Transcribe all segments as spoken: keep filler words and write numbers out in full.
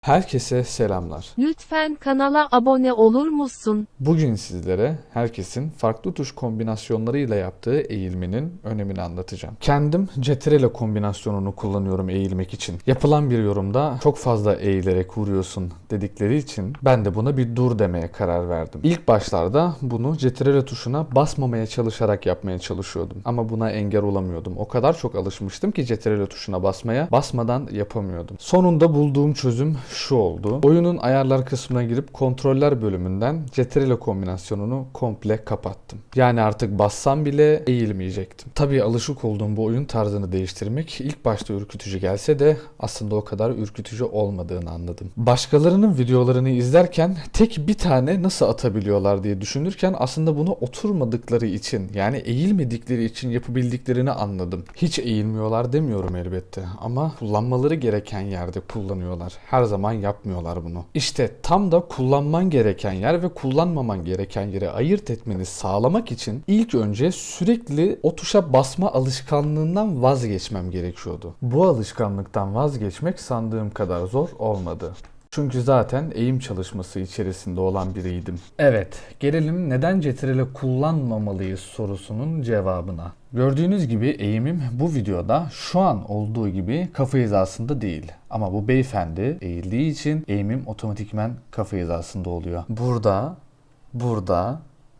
Herkese selamlar. Lütfen kanala abone olur musun? Bugün sizlere herkesin farklı tuş kombinasyonlarıyla yaptığı eğilmenin önemini anlatacağım. Kendim Cetrele kombinasyonunu kullanıyorum eğilmek için. Yapılan bir yorumda çok fazla eğilerek vuruyorsun dedikleri için ben de buna bir dur demeye karar verdim. İlk başlarda bunu Cetrele tuşuna basmamaya çalışarak yapmaya çalışıyordum. Ama buna engel olamıyordum. O kadar çok alışmıştım ki Cetrele tuşuna basmaya, basmadan yapamıyordum. Sonunda bulduğum çözüm şu oldu. Oyunun ayarlar kısmına girip kontroller bölümünden Cetrele kombinasyonunu komple kapattım. Yani artık bassam bile eğilmeyecektim. Tabii alışık olduğum bu oyun tarzını değiştirmek ilk başta ürkütücü gelse de aslında o kadar ürkütücü olmadığını anladım. Başkalarının videolarını izlerken tek bir tane nasıl atabiliyorlar diye düşünürken aslında bunu oturmadıkları için, yani eğilmedikleri için yapabildiklerini anladım. Hiç eğilmiyorlar demiyorum elbette ama kullanmaları gereken yerde kullanıyorlar. Her zaman yapmıyorlar bunu. İşte tam da kullanman gereken yer ve kullanmaman gereken yeri ayırt etmeni sağlamak için ilk önce sürekli o tuşa basma alışkanlığından vazgeçmem gerekiyordu. Bu alışkanlıktan vazgeçmek sandığım kadar zor olmadı. Çünkü zaten eğim çalışması içerisinde olan biriydim. Evet, gelelim neden Cetrele kullanmamalıyız sorusunun cevabına. Gördüğünüz gibi eğimim bu videoda şu an olduğu gibi kafa hizasında değil. Ama bu beyefendi eğildiği için eğimim otomatikmen kafa hizasında oluyor. Burada, burada,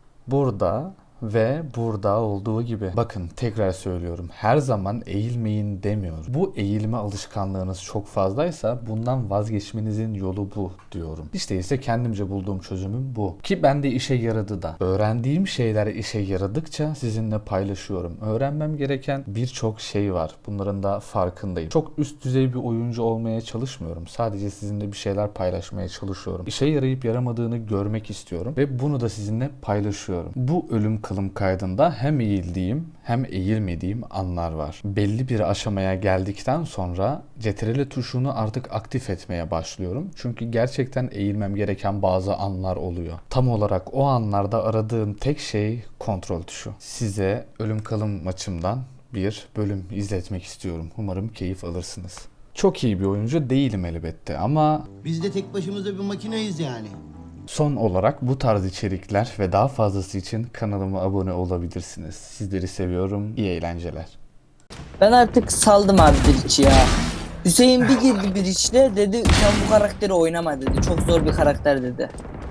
burada ve burada olduğu gibi. Bakın tekrar söylüyorum. Her zaman eğilmeyin demiyorum. Bu eğilme alışkanlığınız çok fazlaysa bundan vazgeçmenizin yolu bu diyorum. İşte ise kendimce bulduğum çözümüm bu. Ki bende işe yaradı da. Öğrendiğim şeyler işe yaradıkça sizinle paylaşıyorum. Öğrenmem gereken birçok şey var. Bunların da farkındayım. Çok üst düzey bir oyuncu olmaya çalışmıyorum. Sadece sizinle bir şeyler paylaşmaya çalışıyorum. İşe yarayıp yaramadığını görmek istiyorum ve bunu da sizinle paylaşıyorum. Bu ölüm kalım kaydında hem eğildiğim hem eğilmediğim anlar var. Belli bir aşamaya geldikten sonra Cetrele tuşunu artık aktif etmeye başlıyorum. Çünkü gerçekten eğilmem gereken bazı anlar oluyor. Tam olarak o anlarda aradığım tek şey kontrol tuşu. Size ölüm kalım maçımdan bir bölüm izletmek istiyorum. Umarım keyif alırsınız. Çok iyi bir oyuncu değilim elbette ama Biz de tek başımıza bir makineyiz yani. son olarak bu tarz içerikler ve daha fazlası için kanalıma abone olabilirsiniz. Sizleri seviyorum. İyi eğlenceler. Ben artık saldım abi Breach'i ya. Hüseyin bir girdi Breach'le dedi sen bu karakteri oynama dedi. Çok zor bir karakter dedi.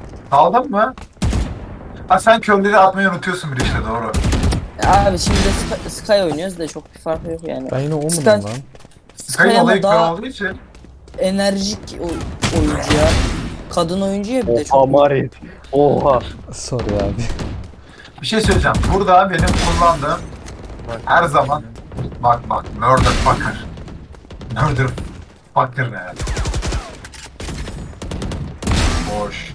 Aldın mı? Ha sen körleri atmayı unutuyorsun bir işte doğru. Ya abi şimdi de Sky, Sky oynuyoruz da çok bir farkı yok yani. Ben yine o mu Sky- lan? Sky Sky'ın ama olayı kör daha olduğu için. enerjik oy- oyuncu ya. Kadın oyuncu ya bir de Oha çok. Marit. Oha. Sorry abi. Bir şey söyleyeceğim. Burada benim kullandığım her zaman bak bak murder fucker. Murder fucker ne yani? Boş.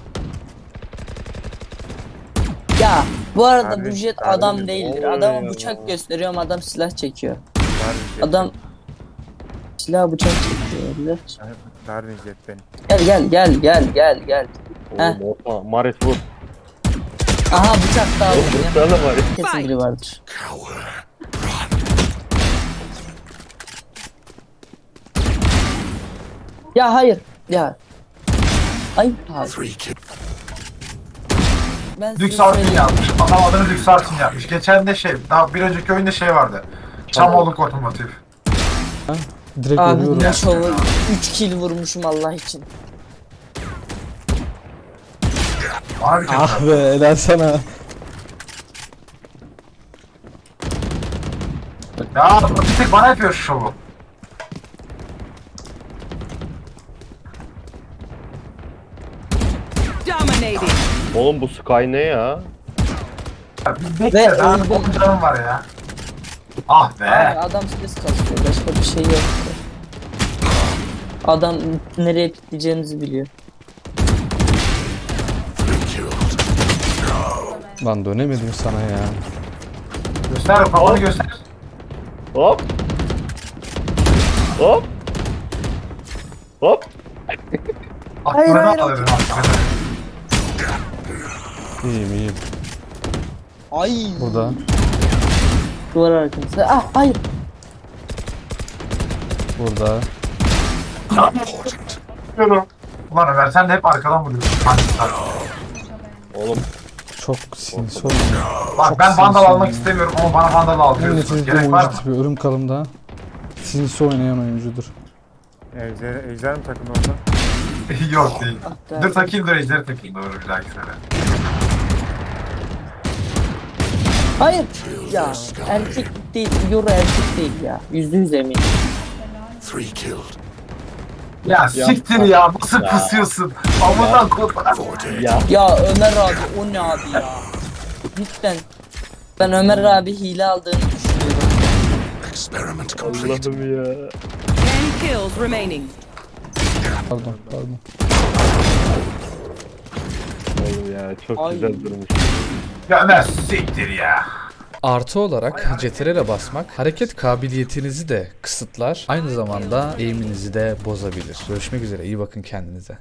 Ya bu arada Harbi- bu jet harbi adam mi? değildir. Oluyor Adama ya. bıçak gösteriyorum adam silah çekiyor. Vermeyecek Adam silah bıçak çekiyor öyle. beni. Vermeyecek beni. Gel gel gel gel gel gel. Heh. Oğlum oha. Marit vur. Aha bıçak da aldım ya. Vursana Marit. Kesin biri vardır. Ya hayır. Ya. Ay abi. Ben size Lüks Artin söyleyeyim. yapmış. Adam adını Lüks Artin yapmış. Geçen de şey, daha bir önceki oyunda şey vardı. Çamoğluk otomotiv. Direkt Abi ölüyorum. ne şovu. üç kill vurmuşum Allah için. Abi Ah be helal sana. ya bir tek bana yapıyor şu şovu. Dominating. Oğlum bu Sky ne ya? Ya bir Ve bekle daha öldüm. on canım var ya. Ah be. Abi adam stres kasıyor. Başka bir şey yok. Adam nereye pikleyeceğimizi biliyor. Lan dönemedim sana ya. Göster kafanı göster. Hop. Hop. Hop. Hayır, Aklını hayır, alırım aklını. İyiyim iyiyim. Ay. Burada. Duvar arkası. Ah hayır. Burada. Diyorum. Ulan Ömer sen de hep arkadan vuruyorsun. Panikler. Oğlum Çok sinsi oynuyor. Bak Çok ben vandal sinsi almak oynuyor. istemiyorum ama bana vandal En aldırıyorsun. nefret ettiğim Gerek var oyuncu mı? tipi. Örüm kalımda sinsi oynayan oyuncudur. Ejder, ejder mi takın orada? Yok değil. Hatta- Dur takayım dur ejderi takayım doğru bir dahaki sene. Hayır. Ya erkek değil. Yoru erkek değil ya. Yüzde yüz eminim. Ya siktir ya nasıl Ya. kısıyorsun? Amından kopar. ya. Ya Ömer abi o ne abi ya? Cidden. Ben Ömer abi hile aldığını düşünüyorum. Allah'ım ya. ten kills remaining. Pardon pardon. Oğlum ya çok Ay. güzel durmuş. Ya Ömer siktir ya. Artı olarak C T R L'e basmak hareket kabiliyetinizi de kısıtlar. Aynı zamanda eğiminizi de bozabilir. Görüşmek üzere. İyi bakın kendinize.